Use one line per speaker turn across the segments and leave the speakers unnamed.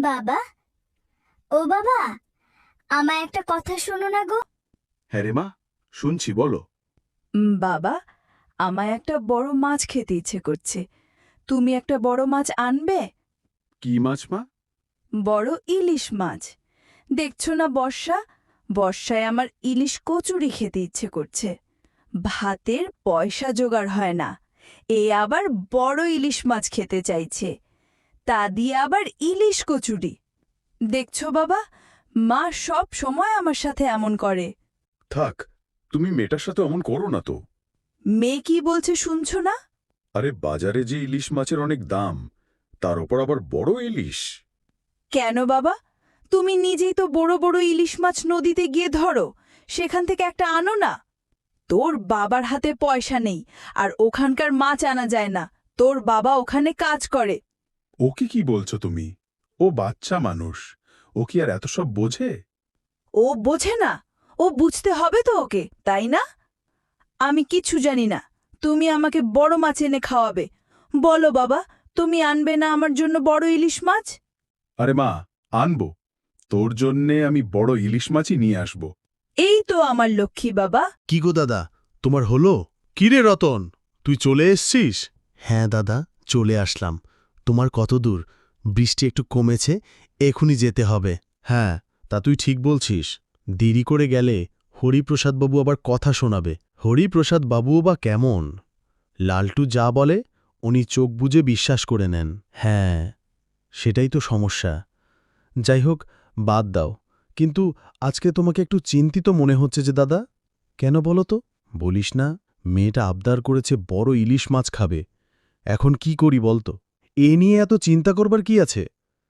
বাবা, ও বাবা, আমায় একটা কথা শোনো না গো।
হ্যাঁ রে মা, শুনছি, বলো।
বাবা, আমায় একটা বড় মাছ খেতে ইচ্ছে করছে। তুমি একটা বড় মাছ আনবে?
কি মাছ মা?
বড় ইলিশ মাছ। দেখছো না বর্ষায় আমার ইলিশ কচুরি খেতে ইচ্ছে করছে। ভাতের পয়সা জোগাড় হয় না, এ আবার বড় ইলিশ মাছ খেতে চাইছে, তা দিয়ে আবার ইলিশ কচুরি। দেখছো বাবা, মা সব সময় আমার সাথে এমন করে।
থাক, তুমি মেয়েটার সাথে অমন করো না তো।
মেয়ে কি বলছে শুনছো না?
আরে বাজারে যে ইলিশ মাছের অনেক দাম, তার ওপর আবার বড় ইলিশ।
কেন বাবা, তুমি নিজেই তো বড় বড় ইলিশ মাছ নদীতে গিয়ে ধরো, সেখান থেকে একটা আনো না। তোর বাবার হাতে পয়সা নেই, আর ওখানকার মাছ আনা যায় না। তোর বাবা ওখানে কাজ করে।
ওকে কি বলছো তুমি? ও বাচ্চা মানুষ, ও কি আর এত সব বোঝে?
ও বোঝে না? ও বুঝতে হবে তো ওকে, তাই না? আমি কিচ্ছু জানি না, তুমি আমাকে বড় মাছ এনে খাওয়াবে। বলো বাবা, তুমি আনবে না আমার জন্য বড় ইলিশ মাছ?
আরে মা, আনবো। তোর জন্যে আমি বড় ইলিশ মাছই নিয়ে আসব।
এই তো আমার লক্ষ্মী বাবা।
কি গো দাদা, তোমার হলো? কি রে রতন, তুই চলে এসছিস? হ্যাঁ দাদা, চলে আসলাম। তোমার কত দূর? বৃষ্টি একটু কমেছে, এখনই যেতে হবে। হ্যাঁ, তা তুই ঠিক বলছিস। দেরি করে গেলে হরিপ্রসাদবাবু আবার কথা শোনাবে। হরিপ্রসাদ বাবুও বা কেমন? লালটু যা বলে উনি চোখ বুজে বিশ্বাস করে নেন। হ্যাঁ, সেটাই তো সমস্যা। যাই হোক, বাদ দাও। কিন্তু আজকে তোমাকে একটু চিন্তিত মনে হচ্ছে যে দাদা। কেন বলো তো? বলিস না, মেয়েটা আবদার করেছে বড় ইলিশ মাছ খাবে। এখন কি করি বলতো? এ নিয়ে এত চিন্তা করবার কি আছে?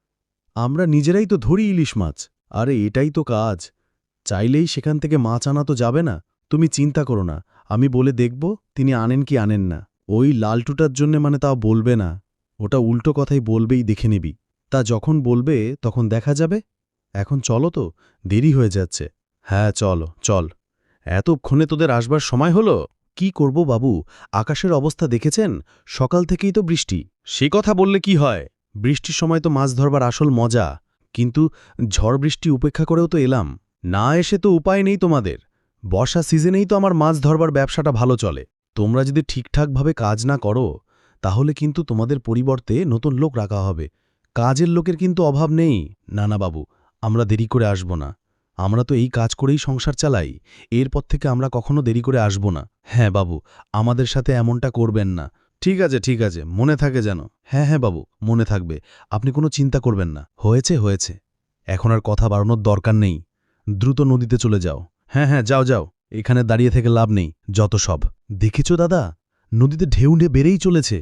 আমরা নিজেরাই তো ধরি ইলিশ মাছ। আরে এটাই তো কাজ। চাইলেই সেখান থেকে মাছ আনা তো যাবে না। তুমি চিন্তা করো না, আমি বলে দেখব তিনি আনেন কি আনেন না। ওই লালটুটার জন্যে মানে তাও বলবে না, ওটা উল্টো কথাই বলবেই, দেখে নিবি। তা যখন বলবে তখন দেখা যাবে। এখন চলো তো, দেরি হয়ে যাচ্ছে। হ্যাঁ চল। এতক্ষণে তোদের আসবার সময় হলো? কি করব বাবু, আকাশের অবস্থা দেখেছেন? সকাল থেকেই তো বৃষ্টি। সে কথা বললে কি হয়, বৃষ্টির সময় তো মাছ ধরবার আসল মজা। কিন্তু ঝড় বৃষ্টি উপেক্ষা করেও তো এলাম। না এসে তো উপায় নেই তোমাদের। বর্ষা সিজনেই তো আমার মাছ ধরবার ব্যবসাটা ভালো চলে। তোমরা যদি ঠিকঠাকভাবে কাজ না করো, তাহলে কিন্তু তোমাদের পরিবর্তে নতুন লোক রাখা হবে। কাজের লোকের কিন্তু অভাব নেই। না বাবু, আমরা দেরি করে আসব না। আমরা তো এই কাজ করেই সংসার চালাই, এরপর থেকে আমরা কখনো দেরি করে আসব না। হ্যাঁ বাবু, আমাদের সাথে এমনটা করবেন না। ঠিক আছে, মনে থাকে যেন। হ্যাঁ বাবু, মনে থাকবে। আপনি কোনো চিন্তা করবেন না। হয়েছে, এখন আর কথা বাড়ানোর দরকার নেই। দ্রুত নদীতে চলে যাও। হ্যাঁ যাও, এখানে দাঁড়িয়ে থেকে লাভ নেই। যত সব দেখেছ দাদা, নদীতে ঢেউ বেড়েই চলেছে।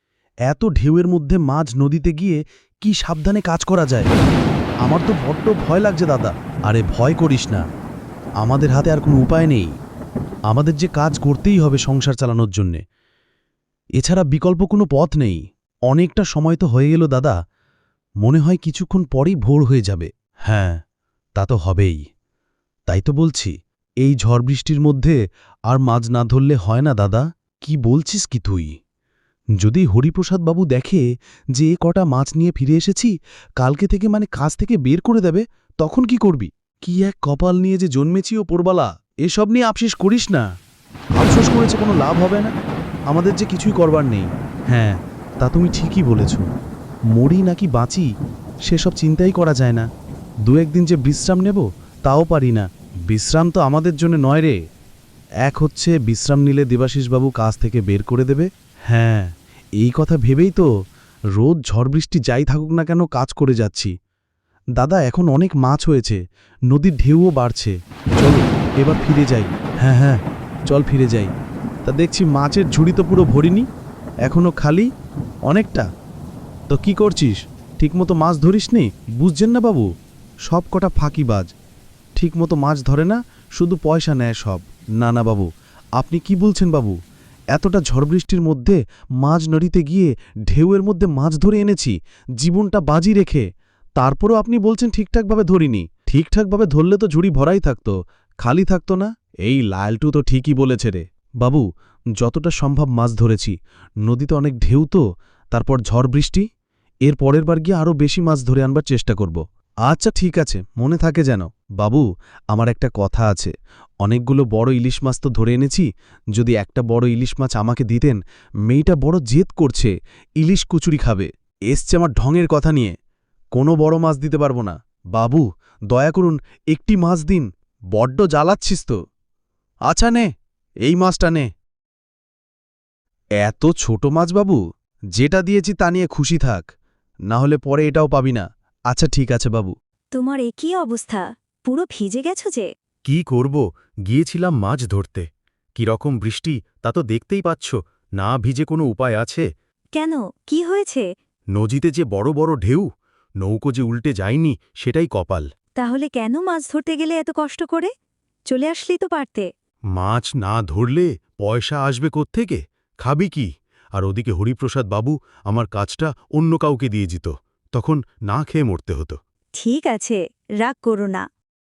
এত ঢেউয়ের মধ্যে মাঝ নদীতে গিয়ে কি সাবধানে কাজ করা যায়? আমার তো বড্ড ভয় লাগছে দাদা। আরে ভয় করিস না, আমাদের হাতে আর কোনো উপায় নেই। আমাদের যে কাজ করতেই হবে সংসার চালানোর জন্যে, এছাড়া বিকল্প কোনো পথ নেই। অনেকটা সময় তো হয়ে গেল দাদা, মনে হয় কিছুক্ষণ পরেই ভোর হয়ে যাবে। হ্যাঁ, তা তো হবেই। তাই তো বলছি, এই ঝড় বৃষ্টির মধ্যে আর মাছ না ধরলে হয় না দাদা। কি বলছিস কি তুই? যদি হরিপ্রসাদ বাবু দেখে যে এ কটা মাছ নিয়ে ফিরে এসেছি, কালকে থেকে মানে কাজ থেকে বের করে দেবে, তখন কি করবি? কি এক কপাল নিয়ে যে জন্মেছি ও পোরবালা। এসব নিয়ে আফসোস করিস না। আফসোস করেছে কোনো লাভ হবে না, আমাদের যে কিছুই করবার নেই। হ্যাঁ, তা তুমি ঠিকই বলেছ। মরি নাকি বাঁচি সেসব চিন্তাই করা যায় না। দু একদিন যে বিশ্রাম নেব তাও পারি না। বিশ্রাম তো আমাদের জন্য নয় রে। এক হচ্ছে বিশ্রাম নিলে দেবাশিসবাবু কাজ থেকে বের করে দেবে। হ্যাঁ, এই কথা ভেবেই তো রোদ ঝড় বৃষ্টি যাই থাকুক না কেন কাজ করে যাচ্ছি। দাদা, এখন অনেক মাছ হয়েছে, নদীর ঢেউও বাড়ছে। চলো এবার ফিরে যাই। হ্যাঁ চল ফিরে যাই। তা দেখছি মাছের ঝুড়ি তো পুরো ভরিনি, এখনো খালি অনেকটা। তো কি করছিস, ঠিকমতো মাছ ধরিসনি? বুঝছেন না বাবু, সব কটা ফাঁকিবাজ, ঠিকমতো মাছ ধরে না, শুধু পয়সা নেয় সব। না বাবু, আপনি কি বলছেন বাবু? এতটা ঝড় বৃষ্টির মধ্যে মাছ নড়িতে গিয়ে ঢেউয়ের মধ্যে মাছ ধরে এনেছি জীবনটা বাজি রেখে, তারপরও আপনি বলছেন ঠিকঠাকভাবে ধরিনি। ঠিকঠাকভাবে ধরলে তো ঝুড়ি ভরাই থাকতো, খালি থাকতো না। এই লালটু তো ঠিকই বলেছে রে বাবু, যতটা সম্ভব মাছ ধরেছি। নদীতে অনেক ঢেউ তো, তারপর ঝড় বৃষ্টি, এর পরের বার গিয়ে আরও বেশি মাছ ধরে আনবার চেষ্টা করব। আচ্ছা ঠিক আছে, মনে থাকে যেন। বাবু, আমার একটা কথা আছে। অনেকগুলো বড় ইলিশ মাছ তো ধরে এনেছি, যদি একটা বড় ইলিশ মাছ আমাকে দিতেন। মেয়েটা বড় জেদ করছে, ইলিশ কচুরি খাবে। এসছে আমার ঢঙের কথা নিয়ে। কোনো বড় মাছ দিতে পারবো না। বাবু, দয়া করুন, একটি মাছ দিন। বড্ড জ্বালাচ্ছিস তো। আচ্ছা নে, এই মাছটা নে। এত ছোট মাছ বাবু, যেটা দিয়েছি তা নিয়ে খুশি থাক, না হলে পরে এটাও পাবি না। আচ্ছা ঠিক আছে বাবু।
তোমার এ কী অবস্থা? পুরো ভিজে গেছো যে।
কি করব, গিয়েছিলাম মাছ ধরতে। কিরকম বৃষ্টি তা তো দেখতেই পাচ্ছ, না ভিজে কোনো উপায় আছে?
কেন, কি হয়েছে?
নদীতে যে বড় বড় ঢেউ, নৌকো যে উল্টে যায়নি সেটাই কপাল।
তাহলে কেন মাছ ধরতে গেলে এত কষ্ট করে? চলে আসলেই তো পারতে।
মাছ না ধরলে পয়সা আসবে কোত্থেকে? খাবি কি? আর ওদিকে হরিপ্রসাদ বাবু আমার কাজটা অন্য কাউকে দিয়ে দিত, তখন না খেয়ে মরতে হতো।
ঠিক আছে, রাগ করো না।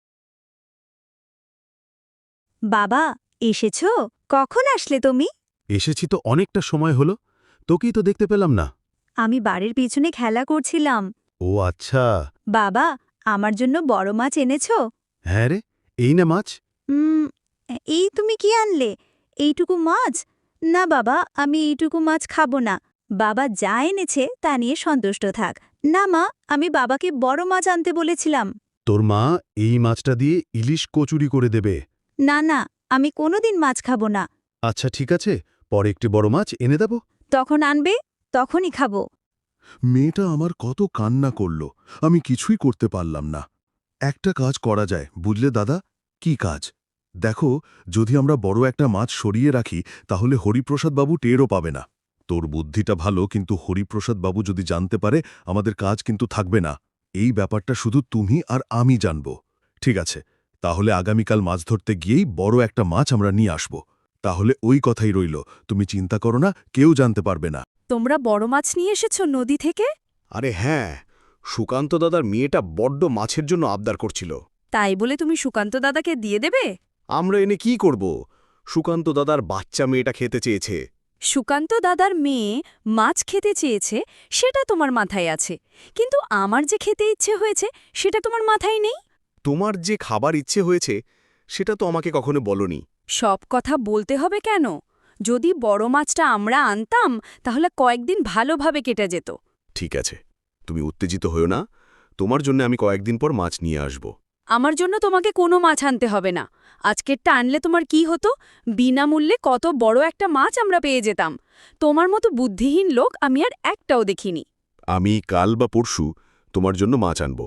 বাবা, এসেছো? কখন আসলে তুমি?
এসেছি তো অনেকটা সময় হলো, তোকেই তো দেখতে পেলাম না।
আমি বাড়ির পিছনে খেলা করছিলাম।
ও আচ্ছা।
বাবা, আমার জন্য বড় মাছ এনেছো?
হ্যাঁ রে, এই না মাছ।
উম, এই তুমি কি আনলে? এইটুকু মাছ? না বাবা, আমি এইটুকু মাছ খাবো না। বাবা যা এনেছে তা নিয়ে সন্তুষ্ট থাক। না মা, আমি বাবাকে বড় মাছ আনতে বলেছিলাম।
তোর মা এই মাছটা দিয়ে ইলিশ কচুরি করে দেবে।
না না, আমি কোনোদিন মাছ খাবো না।
আচ্ছা ঠিক আছে, পরে একটি বড় মাছ এনে দেব।
তখন আনবে, তখনই খাবো।
মেয়েটা আমার কত কান্না করল, আমি কিছুই করতে পারলাম না। একটা কাজ করা যায়, বুঝলে দাদা? কি কাজ? দেখো, যদি আমরা বড় একটা মাছ সরিয়ে রাখি, তাহলে হরিপ্রসাদ বাবু টেরও পাবে না। তোর বুদ্ধিটা ভালো, কিন্তু হরিপ্রসাদ বাবু যদি জানতে পারে, আমাদের কাজ কিন্তু থাকবে না। এই ব্যাপারটা শুধু তুমি আর আমি জানব। ঠিক আছে, তাহলে আগামীকাল মাছ ধরতে গিয়েই বড় একটা মাছ আমরা নিয়ে আসব। তাহলে ওই কথাই রইল, তুমি চিন্তা করো না, কেউ জানতে পারবে না।
তোমরা বড় মাছ নিয়ে এসেছো নদী থেকে?
আরে হ্যাঁ, সুকান্ত দাদার মেয়েটা বড্ড মাছের জন্য আবদার করছিল।
তাই বলে তুমি সুকান্ত দাদাকে দিয়ে দেবে?
আমরা এনে কি করব? সুকান্ত দাদার বাচ্চা মেয়েটা খেতে চেয়েছে।
সুকান্ত দাদার মেয়ে মাছ খেতে চেয়েছে, সেটা তোমার মাথায় আছে, কিন্তু আমার যে খেতে ইচ্ছে হয়েছে সেটা তোমার মাথায় নেই।
তোমার যে খাবার ইচ্ছে হয়েছে সেটা তো আমাকে কখনো বলনি।
সব কথা বলতে হবে কেন? যদি বড় মাছটা আমরা আনতাম তাহলে কয়েকদিন ভালোভাবে কেটে যেত।
ঠিক আছে, তুমি উত্তেজিত হও না। তোমার জন্য আমি কয়েকদিন পর মাছ নিয়ে আসব।
আমার জন্য তোমাকে কোনো মাছ আনতে হবে না। আজকেরটা আনলে তোমার কি হতো? বিনামূল্যে কত বড় একটা মাছ আমরা পেয়ে যেতাম। তোমার মতো বুদ্ধিহীন লোক আমি আর একটাও দেখিনি।
আমি কাল বা পরশু তোমার জন্য মাছ আনব।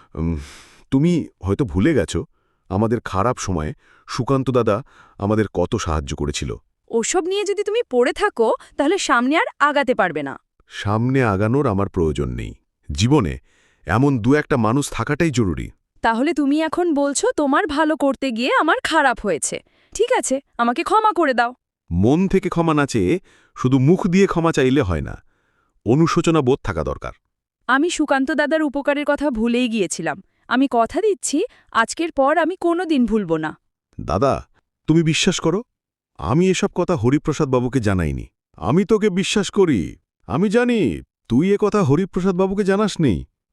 তুমি হয়তো ভুলে গেছো, আমাদের খারাপ সময়ে সুকান্ত দাদা আমাদের কত সাহায্য করেছিল।
ওসব নিয়ে যদি তুমি পড়ে থাকো তাহলে সামনে আর আগাতে পারবে না।
সামনে আগানোর আমার প্রয়োজন নেই। জীবনে এমন দু একটা মানুষ থাকাটাই জরুরি।
তাহলে তুমি এখন বলছো তোমার ভালো করতে গিয়ে আমার খারাপ হয়েছে। ঠিক আছে, আমাকে ক্ষমা করে দাও।
মন থেকে ক্ষমা না চেয়ে শুধু মুখ দিয়ে ক্ষমা চাইলে হয় না, অনুশোচনা বোধ থাকা দরকার।
আমি সুকান্ত দাদার উপকারের কথা ভুলেই গিয়েছিলাম। আমি কথা দিচ্ছি, আজকের পর আমি কোনোদিন ভুলব না।
দাদা, তুমি বিশ্বাস করো, আমি এসব কথা হরিপ্রসাদ বাবুকে জানাইনি। আমি তোকে বিশ্বাস করি। আমি জানি তুই এ কথা হরিপ্রসাদ বাবুকে জানাসনি।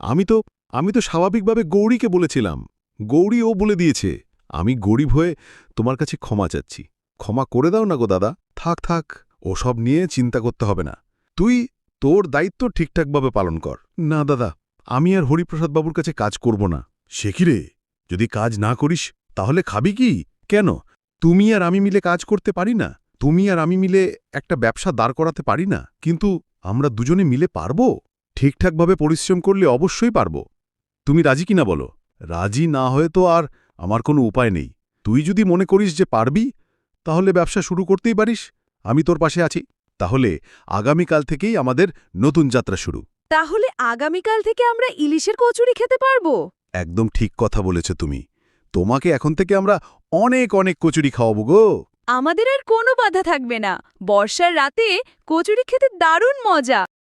আমি তো স্বাভাবিকভাবে গৌরীকে বলেছিলাম। গৌরী ও বলে দিয়েছে। আমি গরিব হয়ে তোমার কাছে ক্ষমা চাচ্ছি। ক্ষমা করে দাও না গো দাদা। থাক থাক, ওসব নিয়ে চিন্তা করতে হবে না। তুই তোর দায়িত্ব ঠিকঠাকভাবে পালন কর। না দাদা, আমি আর হরিপ্রসাদ বাবুর কাছে কাজ করব না। সে কি রে, যদি কাজ না করিস তাহলে খাবি কি? কেন, তুমি আর আমি মিলে কাজ করতে পারি না? তুমি আর আমি মিলে একটা ব্যবসা দাঁড় করাতে পারি না? কিন্তু আমরা দুজনে মিলে পারব। ঠিকঠাকভাবে পরিশ্রম করলে অবশ্যই পারব। তুমি রাজি কিনা বলো? রাজি না হয়ে তো আর আমার কোনো উপায় নেই। তুই যদি মনে করিস যে পারবি, তাহলে ব্যবসা শুরু করতেই পারিস। আমি তোর পাশে আছি। তাহলে আগামীকাল থেকেই আমাদের নতুন যাত্রা শুরু।
তাহলে আগামীকাল থেকে আমরা ইলিশের কচুরি খেতে পারবো?
একদম ঠিক কথা বলেছ তুমি। তোমাকে এখন থেকে আমরা অনেক অনেক কচুরি খাওয়াবো গো।
আমাদের আর কোনো বাধা থাকবে না। বর্ষার রাতে কচুরি খেতে দারুণ মজা।